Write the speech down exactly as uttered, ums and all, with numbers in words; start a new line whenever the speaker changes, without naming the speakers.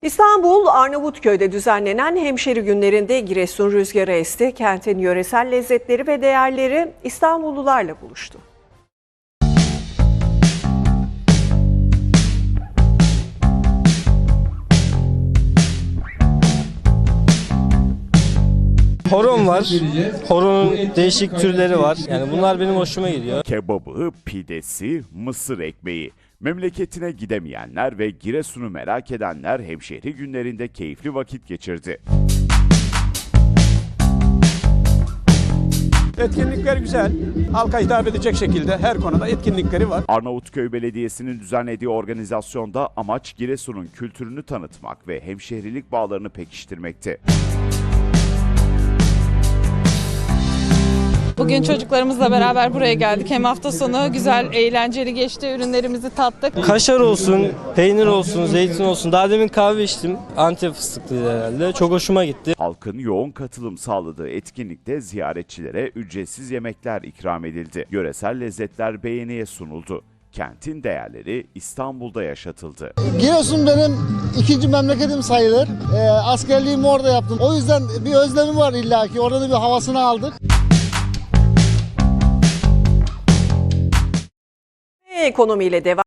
İstanbul Arnavutköy'de düzenlenen hemşeri günlerinde Giresun rüzgarı esti. Kentin yöresel lezzetleri ve değerleri İstanbullularla buluştu.
Horon var. Horonun değişik türleri var. Yani bunlar benim hoşuma gidiyor.
Kebabı, pidesi, mısır ekmeği. Memleketine gidemeyenler ve Giresun'u merak edenler hemşehri günlerinde keyifli vakit geçirdi.
Etkinlikler güzel. Halka hitap edecek şekilde her konuda etkinlikleri var.
Arnavutköy Belediyesi'nin düzenlediği organizasyonda amaç Giresun'un kültürünü tanıtmak ve hemşehrilik bağlarını pekiştirmekti.
Bugün çocuklarımızla beraber buraya geldik. Hem hafta sonu güzel, eğlenceli geçti. Ürünlerimizi tattık.
Kaşar olsun, peynir olsun, zeytin olsun. Daha demin kahve içtim. Antep fıstıklıydı herhalde. Çok hoşuma gitti.
Halkın yoğun katılım sağladığı etkinlikte ziyaretçilere ücretsiz yemekler ikram edildi. Yöresel lezzetler beğeniye sunuldu. Kentin değerleri İstanbul'da yaşatıldı.
Giresun benim ikinci memleketim sayılır. E, askerliğimi orada yaptım. O yüzden bir özlemim var illaki. Orada da bir havasını aldık.
Ekonomiyle devam.